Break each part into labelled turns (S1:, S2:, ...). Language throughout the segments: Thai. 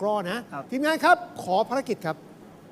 S1: กร้อนะทีมงานครับขอภารกิจครับ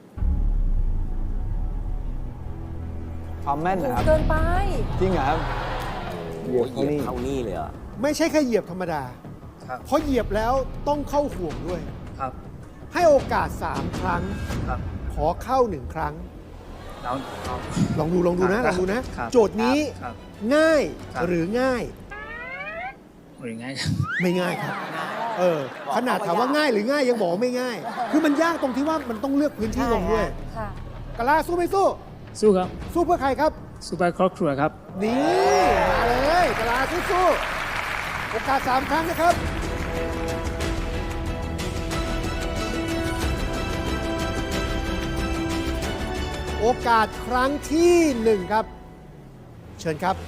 S2: ความแม่นนะครับ
S3: เกินไป
S2: จริงเหรอครับ
S4: โอ้โหเหยียบเข้านี่เลยเหรอ
S1: ไม่ใช่แค่เหยียบธรรมดา
S2: ครับ
S1: เพราะเหยียบแล้วต้องเข้าห่วงด้วย
S2: ครับ
S1: ให้โอกาส 3 ครั้ง
S2: ครับ
S1: ขอเข้า 1 ครั้ง
S2: แล้ว
S1: ลองดูนะ
S2: ค
S1: ล
S2: รั
S1: อบ งดูนะ
S2: ครับ
S1: โจทย์นี้
S2: ครับ
S1: ง่าย
S2: ครับ
S1: หรือง่าย
S2: หรือไง
S1: ไม่ง่ายครับ
S4: บอก
S1: ขนาดถามว่าง่ายหรือง่ายยังบอกว่าไม่ง่าย คือมันยากตรงที่ว่ามันต้องเลือกพื้นที่ลงด้วย
S3: ค่ะ
S1: กะลาสู้ไม่สู้
S2: สู้ครับ
S1: สู้เพื่อใครครับ
S2: สู้ไปครอบครัวครับ
S1: นี่มาเลยกะลาสู้ๆโอกาส 3 ครั้งนะครับ โอกาสครั้งที่ 1 ครับ เชิญครับ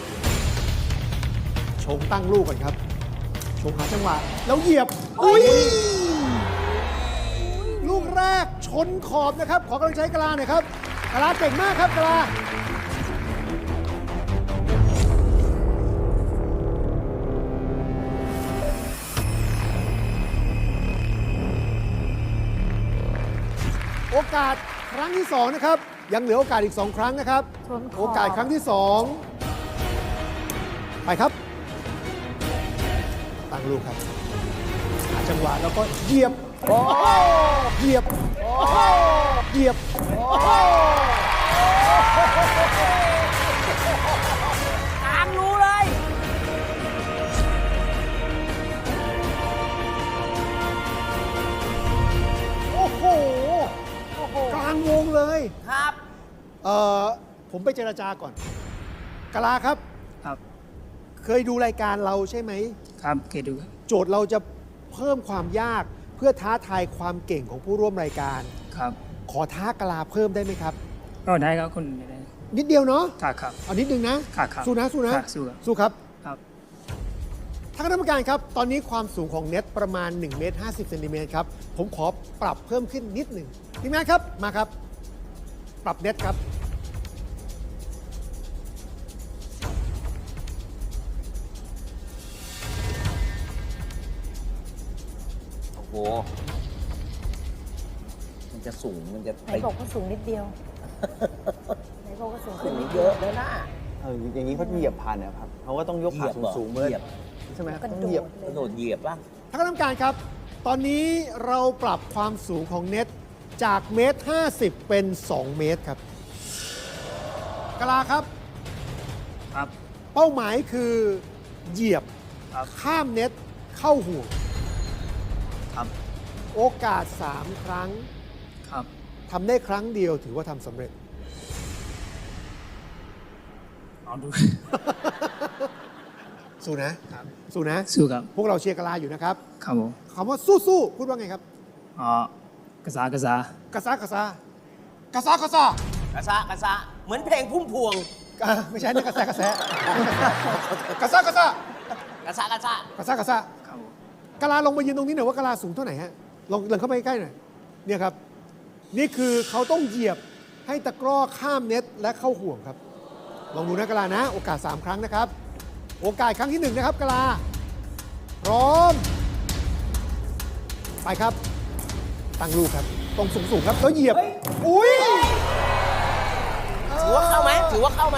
S1: ชงตั้งลูกก่อนครับ ชงหาจังหวะ แล้วเหยียบ อุ้ย ลูกแรกชนขอบนะครับ ขอกำลังใจกะลาหน่อยครับกะลาเก่งมากครับกะลา โอกาสครั้งที่ 2 นะครับ ยังเหลือโอกาสอีก 2 ครั้งนะครับ
S3: ชนขอบ
S1: โอกาสครั้งที่ 2 ไปครับ ตั้งลูกครับ หาจังหวะแล้วก็เหยียบเหยียบเหยียบ
S4: กลางรู้เลย
S1: โอ้โห กลางวงเลย
S4: ครับ
S1: ผมไปเจรจาก่อนกะลาครับ
S2: ครับ
S1: เคยดูรายการเราใช่ไหม
S2: ครับเกดูครับ
S1: โจทย์เราจะเพิ่มความยากเพื่อท้าทายความเก่งของผู้ร่วมรายการ
S2: ครับ
S1: ขอท้ากะลาเพิ่มได้ไหมครับ
S2: ก็ได้ครับคุณได้
S1: นิดเดียวเนาะ
S2: ครับครับ
S1: เอานิดนึงนะครับ
S2: ครับ
S1: สู้นะ สู้นะ
S2: ครับสู้ครับ
S1: สู้ครับ
S2: ครับ
S1: ทางคณะกรรมการครับ ตอนนี้ความสูงของเน็ตประมาณ1เมตร50เซนติเมตรครับ ผมขอปรับเพิ่มขึ้นนิดหนึ่งทีมงานครับ มาครับ ปรับเน็ตครับ
S4: โอ้โห มันจะสูง มันจะ
S3: ไหนบอกว่าสูงนิดเดียว ไหนบอกว่าสูงขึ้
S4: สู
S3: น
S4: ง
S3: นิด
S4: เย
S3: เดียว
S4: อะแล้วนะ
S2: อย่างนี้เขาเหยียบผ่านนะครับเขาก็ต้องยก
S4: เห
S2: ขา
S4: ยียบเหรอ
S2: สูงๆเมื่อ
S4: เหยียบ
S2: ใช่ไหมครับ
S3: กระ
S2: ต้อง
S3: โด
S2: เหยียบ
S3: ดเล
S4: ก
S3: ย
S4: ระโดดเหยียบป่ะ
S1: ทางคณะกรรมการครับ ตอนนี้เราปรับความสูงของเน็ตจากเมตร50เป็น2 เมตรครับกะลาครับ
S2: ครับ
S1: เป้าหมายคือเหยียบ
S2: ครับ
S1: ข้ามเน็ตเข้าห่วง
S2: ครับ
S1: โอกาส 3 ครั้ง
S2: ครับ
S1: ทำได้ครั้งเดียวถือว่าทำสำเร็จ
S2: เอาดู
S1: สู้นะ สู้นะ
S2: สู้ครับ
S1: พวกเราเชียร์กะลาอยู่นะครับ
S2: ครับผม
S1: คำว่าสู้ๆพูดว่าไงครับ
S2: อ๋อกระซากระซาก
S1: ระซากระซากระซากระซาก
S4: ระซะกระซะ เหมือนเพลงพุ่มพวง
S1: ไม่ใช่นะกระแสกระแสกระซากระซาก
S4: ระซะกระซะ
S1: กระซากระซา
S2: ครับผม
S1: กะลาลงมายืนตรงนี้หน่อยว่ากะลาสูงเท่าไหร่ฮะลองเข้าไปใกล้ๆหน่อยเนี่ยครับ นี่คือเขาต้องเหยียบให้ตะกร้อข้ามเน็ตและเข้าห่วงครับ ลองดูนะกะลานะ โอกาส 3 ครั้งนะครับ โอกาสครั้งที่ 1 นะครับกะลาพร้อม ไปครับ ตั้งลูกครับตรงสูงๆครับแล้วเหยียบ อุ้ย
S4: ถือว่าเข้าไหมถือว่าเข้าไหม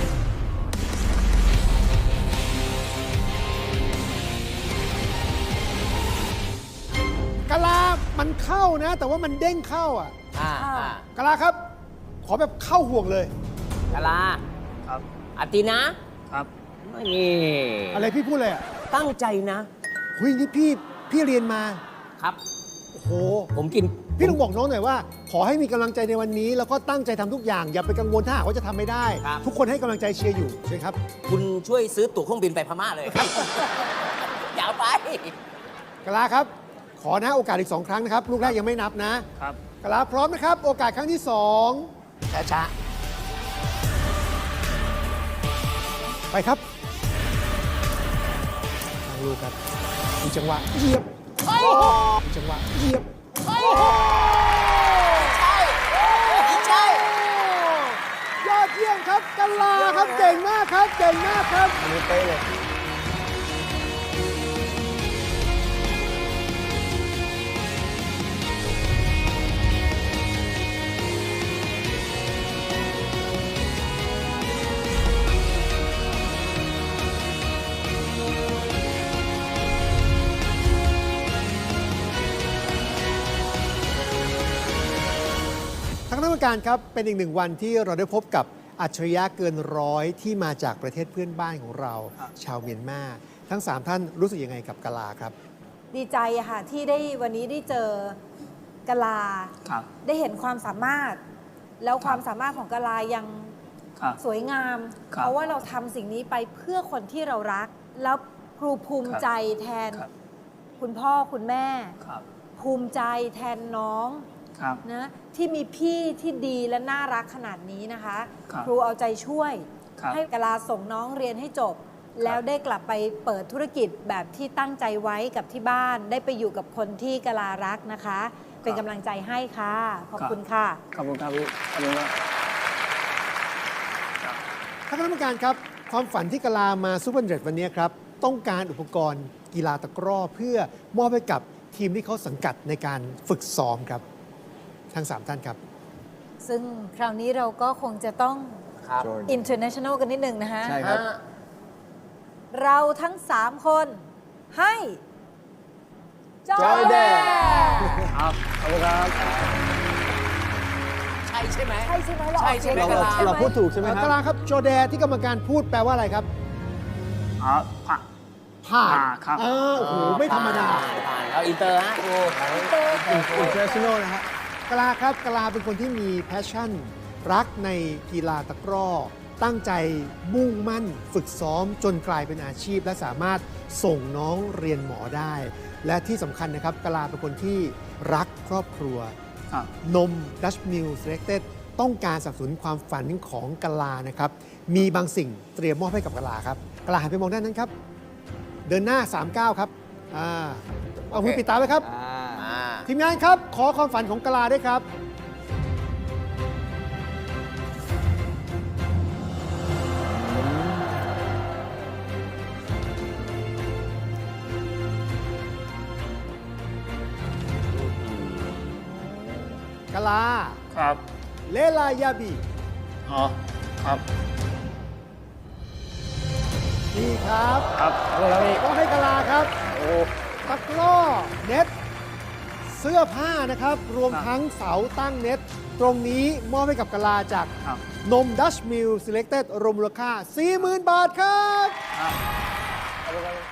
S1: กะลามันเข้านะ แต่ว่ามันเด้งเข้าอ่ะ
S4: อ่าอ่าก
S1: ะลาครับ ขอแบบเข้าห่วงเลย
S4: กะลา
S2: ครับ
S4: อตินะครับ นี่
S1: อะไรพี่พูดเลยอ่ะ
S4: ตั้งใจนะ
S1: เฮ้ยนี่พี่เรียนมา
S4: ครับ
S1: โอ้โห
S4: ผมกิน
S1: พี่ลุงบอกน้องหน่อยว่า ขอให้มีกำลังใจในวันนี้ แล้วก็ตั้งใจทำทุกอย่าง อย่าไปกังวลถ้าหากว่าจะทำไม่ได้
S4: ครับ
S1: ทุกคนให้กำลังใจเชียร์อยู่ใช่ไหมครับ
S4: คุณช่วยซื้อตั๋วเครื่องบินไปพม่าเลยครับ อย่าเอาไป
S1: กะลาครับ ขอนะโอกาสอีก 2 ครั้งนะครับ ลูกแรกยังไม่นับนะครับ กะลาพร้อมนะครับ โอกาสครั้งที่ 2
S4: ช้า
S1: ไปครับทางลูกครับมีจังหวะเหยียบมีจังหวะเหยียบ
S4: ๆใช่ใช่
S1: ยอดเยี่ยมครับกะลาครับเก่งมากครับเก่งมากครับ
S2: อันนี้เป๊ะเลย
S1: กรมการครับเป็นอีกหนึ่งวันที่เราได้พบกับอัจฉริยะเกินร้อยที่มาจากประเทศเพื่อนบ้านของเรา ชาวเมียนมาทั้ง 3 ท่านรู้สึกยังไงกับกะลาครับ
S3: ดีใจอะค่ะที่ได้วันนี้ได้เจอกะลา
S2: ครับ
S3: ได้เห็นความสามารถ แล้วความสามารถของกะลายัง
S2: ครับ
S3: สวยงาม
S2: ครับ
S3: เพราะว่าเราทำสิ่งนี้ไปเพื่อคนที่เรารัก แล้วครูภูมิใจแทน
S2: ครับ
S3: คุณพ่อคุณแม่
S2: ครับ
S3: ภูมิใจแทนน้อง
S2: ครับ
S3: นะที่มีพี่ที่ดีและน่ารักขนาดนี้นะคะ
S2: ครับ
S3: ครูเอาใจช่วย
S2: ครับ
S3: ให้กะลาส่งน้องเรียนให้จบ แล้วได้กลับไปเปิดธุรกิจแบบที่ตั้งใจไว้กับที่บ้าน ได้ไปอยู่กับคนที่กะลารักนะคะ เป็นกำลังใจให้ค่ะ ขอบคุณค่ะ
S2: ขอบคุณครับพี่ขอบคุณมาก
S1: ท่านคณะกรรมการครับ ความฝันที่กะลามาซูเปอร์100วันนี้ครับ ต้องการอุปกรณ์กีฬาตะกร้อเพื่อมอบให้กับทีมที่เขาสังกัดในการฝึกซ้อมครับ ทั้ง 3 ท่านครับ
S3: ซึ่งคราวนี้เราก็คงจะต้อง
S4: ครับ
S3: international กันนิดนึงนะคะ
S2: ใช่ครับ
S3: เราทั้ง 3 คนให้จอย
S1: Joy
S3: แด
S1: Dad
S2: ครับ ขอบคุณครับ
S4: ใช่ใช่ไหม
S3: ใช่ใช่ไหมเราออก
S4: ใช่ใช่ไหม
S3: สียง
S4: กะลา
S3: ใช่ไหม
S5: เราพูดถูกใช่ไหมค
S1: กะ
S5: รับ
S1: ลาครับโจแดที่กรรมการพูดแปลว่าอะไรครับ
S2: อ๋อผ่า
S1: ผ่าน
S2: ครับ
S1: โอ้โห ไม่ธรรมดา
S4: ผ่านเราอินเตอร์ฮะครู
S5: international นะฮะ
S1: กะลาครับกะลาเป็นคนที่มีแพชชั่น รักในกีฬาตะกร้อ ตั้งใจมุ่งมั่น ฝึกซ้อมจนกลายเป็นอาชีพ และสามารถส่งน้องเรียนหมอได้ และที่สำคัญนะครับกะลาเป็นคนที่รักครอบครัว
S2: ครับ
S1: นม Dutch Mill Selected ต้องการสนับสนุนความฝันของกะลานะครับ มีบางสิ่งเตรียมมอบให้กับกะลาครับกะลาหันไปมองด้านนั้นครับ เดินหน้า 39 ครับเอามือปิดตาไว้ครับ
S4: อ่า
S1: ทีมงานครับ ขอความฝันของกะลาด้วยครับ กะลา
S2: ครับ
S1: เลลายาบี
S2: อ๋อ ครับ
S1: นี่ครับ
S2: ครับ ขอบคุณครับพี่
S1: ต้องให้กะลาครับ
S2: โอ้
S1: ตะกร้อเน็ต เสื้อผ้านะครับ รวม
S2: ครับ
S1: ทั้งเสาตั้งเน็ต ตรงนี้มอบให้กับกะลาจาก
S2: ครับ
S1: นม Dutch Mill Selected รวมมูลค่า 40,000 บาทครับ
S2: ครับ ขอบคุณครับ